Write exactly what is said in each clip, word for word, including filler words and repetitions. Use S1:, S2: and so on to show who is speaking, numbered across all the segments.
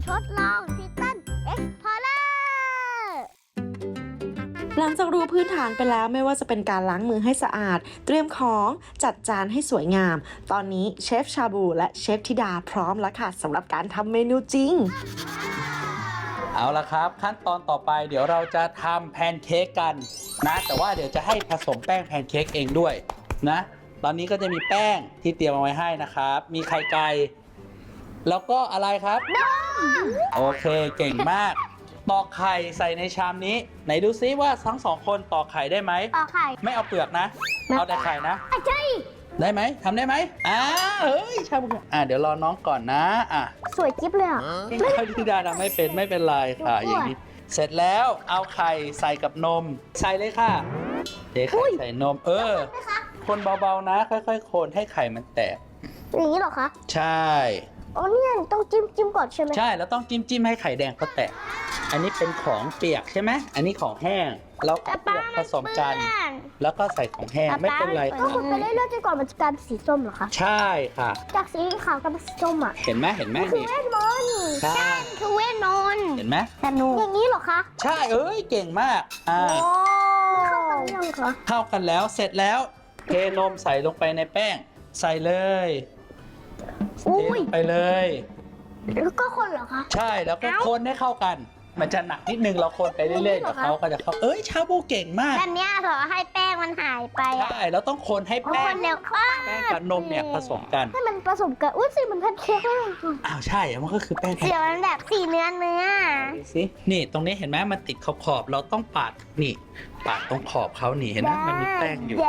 S1: ทดลองทิตันเอ็กพอร์เลอร์
S2: หลังจากรู้พื้นฐานไปแล้วไม่ว่าจะเป็นการล้างมือให้สะอาดเตรียมของจัดจานให้สวยงามตอนนี้เชฟชาบูและเชฟธิดาพร้อมแล้วค่ะสำหรับการทำเมนูจริง
S3: เอาละครับขั้นตอนต่อไปเดี๋ยวเราจะทำแพนเค้กกันนะแต่ว่าเดี๋ยวจะให้ผสมแป้งแพนเค้กเองด้วยนะตอนนี้ก็จะมีแป้งที่เตรียมเอาไว้ให้นะครับมีไข่ไก่แล้วก็อะไรครับนมโอเคเก่งมากตอกไข่ใส่ในชามนี้ไหนดูซิว่าทั้งสองคนตอกไข่ได้ไหม
S1: ตอกไข่
S3: ไม่เอาเปลือกนะเอาแต่ไข่นะ
S1: ใช่
S3: ได้ไหมทำได้ไหมอ่าเฮ้ยชาบูอ่าเดี๋ยวรอน้องก่อนนะอ่ะ
S1: สวยจิ๊บเลยอ่ะ
S3: ไม่ธิดาทำไม่เป็นไม่เป็นไรค่ะอย่างนี้เสร็จแล้วเอาไข่ใส่กับนมใส่เลยค่ะเทไข่ใส่นมเออคนเบาๆนะค่อยๆคนให้ไข่มันแตก
S1: อย่างนี้หรอคะ
S3: ใช่
S1: อ๋อเนี่ยต้องจิ้มจิ้มก่อนใช่ไหม
S3: ใช่แล้วต้องจิ้มจิ้มให้ไข่แดงเขาแตกอันนี้เป็นของเปียกใช่ไหมอันนี้ของแห้งแล้วเปียกผสมกันแล้วก็ใส่ของแห้งไม่เป็นไร
S1: ก็คนไปเรื่อยๆจนกว่ามันจะกลายเป็นสีส้มเหรอคะ
S3: ใช่ค่ะ
S1: จากสีขาวกลายเป็นสีส้มอ่ะ
S3: เห็นไหมเห็นไหม
S1: คือเวทมนต์
S3: ใช่
S1: คือเวทมนต์
S3: เห็นไหม
S1: แต่หนูอย่างนี้เหรอคะ
S3: ใช่เอ้ยเก่งมากอ่า
S1: เข้ากันยังคะ
S3: เข้ากันแล้วเสร็จแล้วเทนมใส่ลงไปในแป้งใส่เลยเทลงไปเลย
S1: แล้วก็คนเหรอคะ
S3: ใช่แล้วก็คนให้เข้ากันมันจะหนักนิดนึงเราคนไปเรื่อยๆเดี๋ยวเขาก็จะเข้าเอ้ยชาบูเก่งมาก
S1: แบบนี้เหรอให้แป้งมันหายไป
S3: ใช่แล้วต้องคนให้แป้ง
S1: เดี๋ยว
S3: แป้งกับนมเนี่ยผสมกัน
S1: ให้มันผสมกันอุ้ยสีมันแพนเค้กเลย
S3: อ้าวใช่มันก็คือแป้ง
S1: เดี๋ยวมันแบบสีเนื้อเนื้อ
S3: สินี่ตรงนี้เห็นไหมมันติดขอบขอบเราต้องปาดนี่ปาดตรงขอบเขานี่เห็นไหมมันมีแป้งอยู่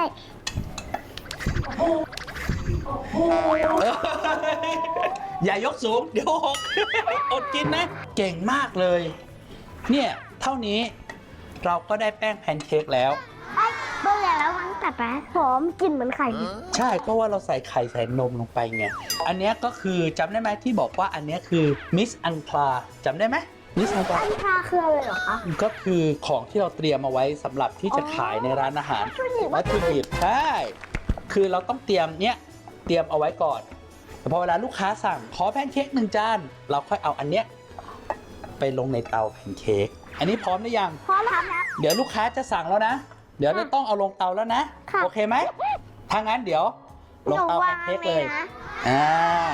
S3: อย่ายกสูงเดี๋ยวหกอดกินนะเก่งมากเลยเนี่ยเท่านี้เราก็ได้แป้งแพนเค้กแล้ว
S1: เบื่อแล้วมันแต่ปะหอมกลิ่นเหมือนไข่
S3: ใช่ก็ว่าเราใส่ไข่ใส่นมลงไปไงอันนี้ก็คือจำได้ไหมที่บอกว่าอันนี้คือมิสอันพลาจำได้ไหมมิสอันพลา
S1: อันพลาคืออะไรเหรอคะ
S3: ก็คือของที่เราเตรียมเอาไว้สำหรับที่จะขายในร้านอาหารวัตถุดิบใช่คือเราต้องเตรียมเนี้ยเตรียมเอาไว้ก่อนแต่พอเวลาลูกค้าสั่งขอแพนเค้กหนึ่งจานเราค่อยเอาอันเนี้ยไปลงในเตาแพนเค้กอันนี้พร้อมหรือยัง
S1: พร้อมแล้ว
S3: เดี๋ยวลูกค้าจะสั่งแล้วนะเดี๋ยวจะต้องเอาลงเตาแล้วนะโอเคไหมถ้างั้นเดี๋ยวลงเตาแพนเค้กเลยอ่า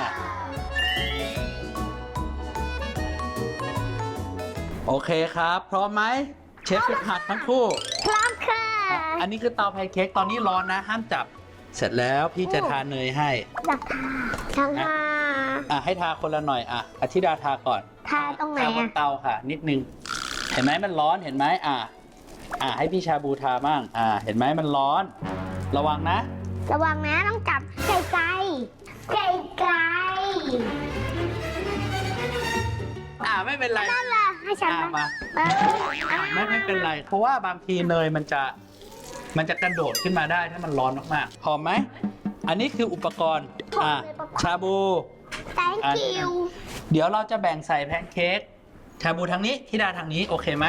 S3: โอเคครับพร้อมไหมเชฟฝึกหัดทั้งคู่
S1: พร้อมค่ะ
S3: อันนี้คือเตาแพนเค้กตอนนี้ร้อนนะห้ามจับเสร็จแล้วพี่จะทาเนยให้
S1: อยากทาทา
S3: อ่ะให้ทาคนละหน่อยอ่ะอธิดาทาก่อน
S1: ทาตรงไหน
S3: ทาบนเตาค่ะนิดนึงเห็นไหมมันร้อนเห็นไหมอ่ะอ่ะให้พี่ชาบูทาบ้างอ่ะเห็นไหมมันร้อนระวังนะ
S1: ระวังนะต้องจับไก่ไก่ไก่ไก่
S3: อ่ะไม่เป็นไร
S1: นั่นแหละให้ฉัน
S3: มาไม่ไม่เป็นไรเพราะว่าบางทีเนยมันจะมันจะกระโดดขึ้นมาได้ถ้ามันร้อนมากๆพอไหมอันนี้คืออุปกรณ์อ่ะชาบู
S1: thank you
S3: เดี๋ยวเราจะแบ่งใส่แพนเค้กชาบูทางนี้ธิดาทางนี้โอเคไหม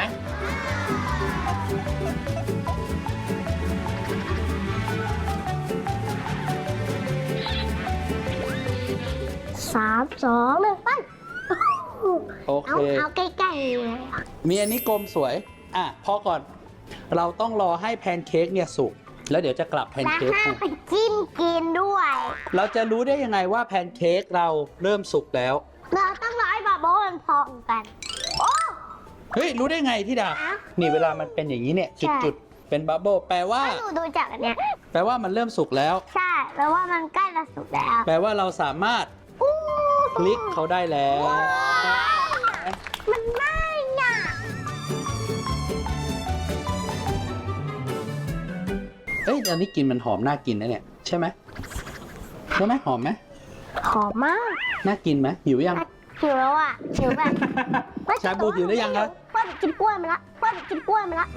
S1: สามสองหนึ่งไป
S3: โอเค
S1: เอาใกล้
S3: ๆมีอันนี้กลมสวยอ่ะพอก่อนเราต้องรอให้แพนเค้กเนี่ยสุกแล้วเดี๋ยวจะกลับแพนเค้ก
S1: สุกไปจิ้มกินด้วย
S3: เราจะรู้ได้ยังไงว่าแพนเค้กเราเริ่มสุกแล้ว
S1: เราต้องรอให้บับเบิ้ลมันพองกันโอ้
S3: เฮ้ยรู้ได้ไงที่ดานี่เวลามันเป็นอย่างนี้เนี่ยจุดๆเป็นบับเบิ้ลแปลว่า
S1: ดูดูจากอันเนี้ย
S3: แปลว่ามันเริ่มสุกแล้ว
S1: ใช่แปลว่ามันใกล้จะสุกแล้ว
S3: แปลว่าเราสามารถคลิกเขาได้แล้ว
S1: มันง่ายน่ะ
S3: เอ้ยอันนี้กินมันหอมน่ากินนะเนี่ยใช่ไหมใช่ไหมหอมไหม
S1: หอมมาก
S3: น่ากินไหมหิวยัง
S1: หิวแล้วอ่ะหิวแบบ
S3: ชาบูหิวหรือยังครับ
S1: เพื่อนกินกล้วยมาละเพื่อนกินกล้วยมาละ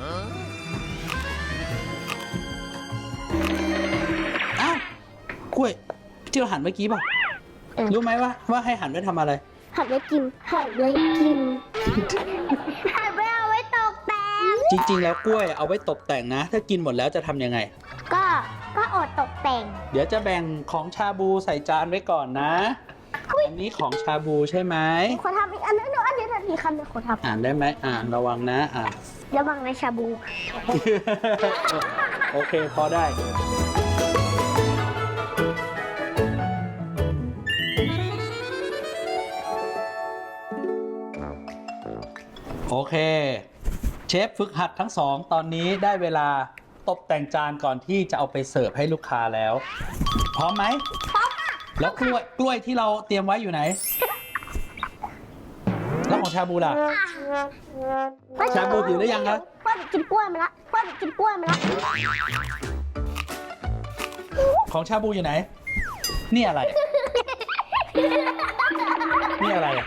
S3: อ้าวกล้วยที่เราหั่นเมื่อกี้ป่ะรู้ไหมว่าว่าให้หั่นไว้ทำอะไร
S1: หั่นไว้กินหั่นไว้กินหั่นไว้เอาไว้ตกแต่ง
S3: จริงๆแล้วกล้วยเอาไว้ตกแต่งนะถ้ากินหมดแล้วจะทำยังไง
S1: ก็ก็อดตกแต่ง
S3: เดี๋ยวจะแบ่งของชาบูใส่จานไว้ก่อนนะอันนี้ของชาบูใช่ไหม
S1: ขอทำอีกอันนึงเดี๋ยวอันเดียวทันทีคำเดียวขอท
S3: อ่านได้ไหมอ่านระวังนะอ่าน
S1: ำระวังในชาบู
S3: โอเคพอได้ โอเค เชฟฝึกหัดทั้งสองตอนนี้ได้เวลาตกแต่งจานก่อนที่จะเอาไปเสิร์ฟให้ลูกค้าแล้ว พร้อมไหมพร้อมค่ะแล้วกล้วยกล้วยที่เราเตรียมไว้อยู่ไหน แล้วของชาบูล่ะ ชาบูหิวหรือยังครับ
S1: พ่อเด็กกินกล้วยมาละพ่อเด็กกินกล้วยมาละ
S3: ของชาบูอยู่ไหน นี่อะไรอะนี่อะไรอะ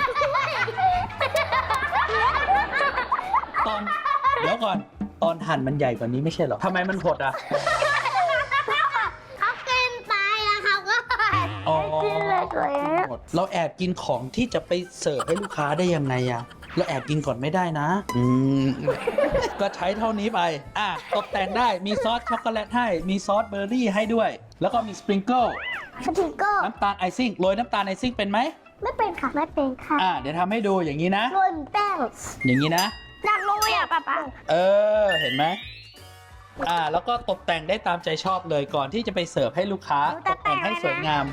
S3: ตอนเดี๋ยวก่อนตอนหั่นมันใหญ่กว่านี้ไม่ใช่เหรอทำไมมันหดอ่ะ
S1: เขากินไปแล้วเขาก็
S3: อ๋อ
S1: กินเลยสวย
S3: หมดเราแอบกินของที่จะไปเสิร์ฟให้ลูกค้าได้ยังไงอะเราแอบกินก่อนไม่ได้นะ อืม ก็ใช้เท่านี้ไป อ่ะตกแต่งได้มีซอสช็อกโกแลตให้มีซอสเบอร์รี่ให้ด้วย แล้วก็มีสปริงเกิล
S1: สติกเกอร์
S3: น้ำตาลไอซิ่งโรยน้ำตาลไอซิ่งเป็นไหม
S1: ไม่เป็นค่ะไม่เป็นค่ะ
S3: อ่ะเดี๋ยวทำให้ดูอย่างนี้นะ
S1: โรยแป้ง
S3: อย่างนี้นะ
S1: อยากรู้อ่ะป้าป้า
S3: เออเห็นไหมอ่าแล้วก็ตกแต่งได้ตามใจชอบเลยก่อนที่จะไปเสิร์ฟให้ลูกค้าตกแต่งให้สวยงาม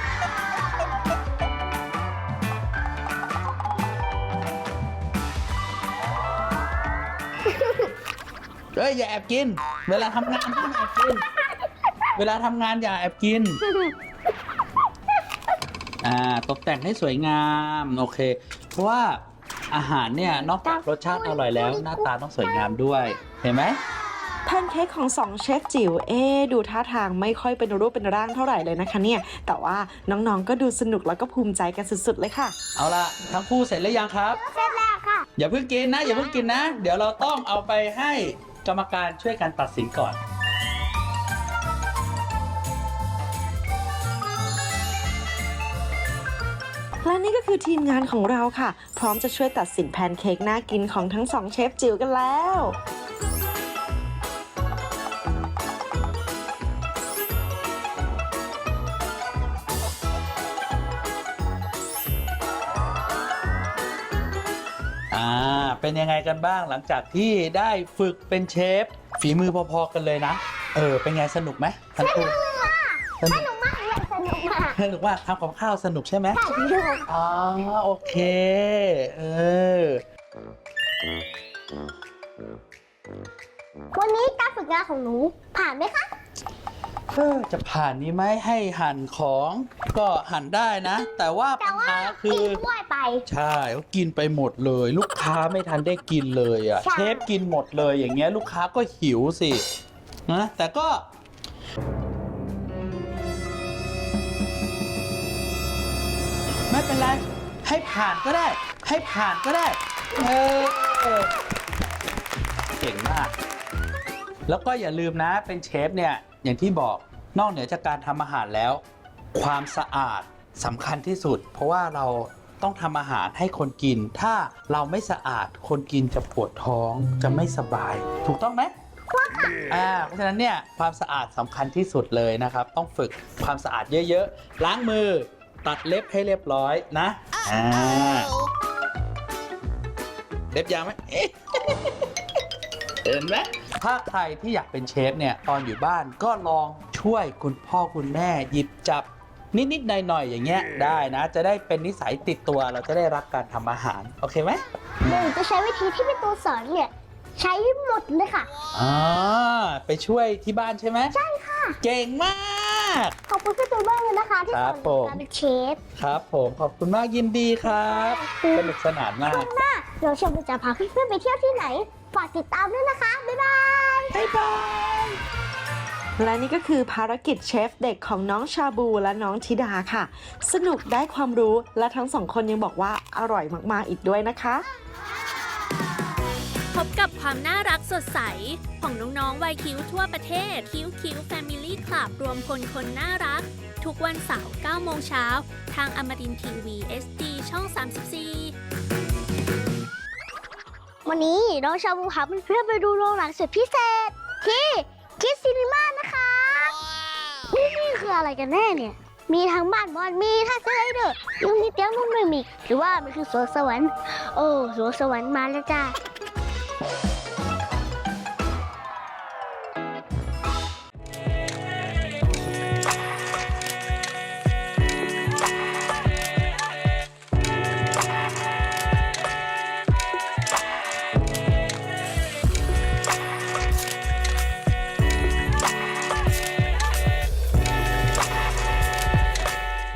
S3: เฮ้ยอย่าแอบกิน เวลาทำงานห้ามแอบกิน เวลาทำงานอย่าแอบกิน อ่าตกแต่งให้สวยงามโอเค เพราะว่าอาหารเนี่ยนอกจากรสชาติอร่อยแล้วหน้าตาต้องสวยงามด้วยเห็นไหม
S2: แพนเค้กของสองเชฟจิ๋วเอ๊ะดูท่าทางไม่ค่อยเป็นรูปเป็นร่างเท่าไหร่เลยนะคะเนี่ยแต่ว่าน้องๆก็ดูสนุกแล้วก็ภูมิใจกันสุดๆเลยค่ะ
S3: เอาล่ะทั้งคู่เสร็จแล้วยังครับ
S1: เสร็จแล้วค่ะ
S3: อย่าเพิ่งกินนะอย่าเพิ่งกินนะ เดี๋ยวเราต้องเอาไปให้กรรมการช่วยกันตัดสินก่อน
S2: และนี่ก็คือทีมงานของเราค่ะ พร้อมจะช่วยตัดสินแพนเค้กน่ากินของทั้งสองเชฟจิ๋วกันแล้ว
S3: อ่าเป็นยังไงกันบ้างหลังจากที่ได้ฝึกเป็นเชฟฝีมือพอๆกันเลยนะเออเป็นไงสนุกไหมทั้งคู่ส
S1: ส
S3: นุก
S1: นุกมากเลยสนุกมาก
S3: สนุกว่าทำกับข้าวสนุกใช่ไหม
S1: สนุก
S3: อ๋อโอเคเออ
S1: วันนี้การฝึกงานของหนูผ่านไหมคะ
S3: เออจะผ่านนี้ไหมให้หั่นของก็หั่นได้นะ แต่ว่า
S1: แต่
S3: ปัญ
S1: ว่า
S3: หาคื
S1: กิ
S3: อน
S1: กล้วยไป
S3: ใช่เขากินไปหมดเลย ลูกค้าไม่ทันได้กินเลยอ่ะ
S1: ใช่
S3: เชฟกินหมดเลยอย่างเงี้ยลูกค้าก็หิวสินะแต่ก็ไม่เป็นไรให้ผ่านก็ได้ ให้ผ่านก็ได้เออเก่งมาก แล้วก็อย่าลืมนะเป็นเชฟเนี่ยอย่างที่บอกนอกเหนือจากการทำอาหารแล้ว ความสะอาดสำคัญที่สุด เพราะว่าเราต้องทำอาหารให้คนกิน ถ้าเราไม่สะอาดคนกินจะปวดท้องจะไม่สบาย ถูกต้องไหมอ่าเพราะฉะนั้นเนี่ยความสะอาดสำคัญที่สุดเลยนะครับ ต้องฝึกความสะอาดเยอะๆล้างมือตัดเล็บให้เรียบร้อยนะอ่าเล็บยาวไหมเอ๊ะ เห็นไหมถ้าใครที่อยากเป็นเชฟเนี่ยตอนอยู่บ้านก็ลองช่วยคุณพ่อคุณแม่หยิบจับนิดๆหน่อยๆอย่างเงี้ยได้นะ จะได้เป็นนิสัยติดตัวเราจะได้รักการทำอาหารโอเคไหม
S1: หนูจะใช้วิธีที่พี่ตูนสอนเนี่ย ใช้หมดเลยค่ะ
S3: อ่าไปช่วยที่บ้านใช่ไหมใช่ค่ะเก่งมาก
S1: ขอบคุณพี่ตูนมากเลยนะคะ ที่
S3: ค
S1: ส
S3: รั
S1: อบ นห
S3: ผ
S1: นู
S3: ม
S1: การเป็นเชฟ
S3: ครับผมขอบคุณมากยินดีครับสนุกสนานมาก
S1: หน้าเราชมจะพาเพื่อนๆไปเที่ยวที่ไหน ฝากติดตามด้วยนะคะ บ๊ายบาย
S3: บ๊ายบาย
S2: และนี่ก็คือภารกิจเชฟเด็กของน้องชาบูและน้องธิดาค่ะ สนุกได้ความรู้และทั้งสองคนยังบอกว่าอร่อยมากๆอีกด้วยนะคะ
S4: พบกับความน่ารักสดใส ของน้องๆวัยคิ้วทั่วประเทศ คิ้วคิ้ว Family Club รวมพลคนน่ารัก ทุกวันเสาร์เก้าโมงเช้าทางอมรินทร์ทีวี เอส ดี ช่อง สามสิบสี่
S1: วันนี้น้องชาบูพาเพื่อนๆไปดูโรงหนังสุดพิเศษ ที่คิดซีนีมานะคะ นี่นี่คืออะไรกันแน่เนี่ยมีทั้งบ้านบอลมีท่าสไลเดอร์ยังมีเตียงนุ่มไม่มีหรือว่ามันคือสวนสวรรค์โอ้สวนสวรรค์มาแล้วจ้า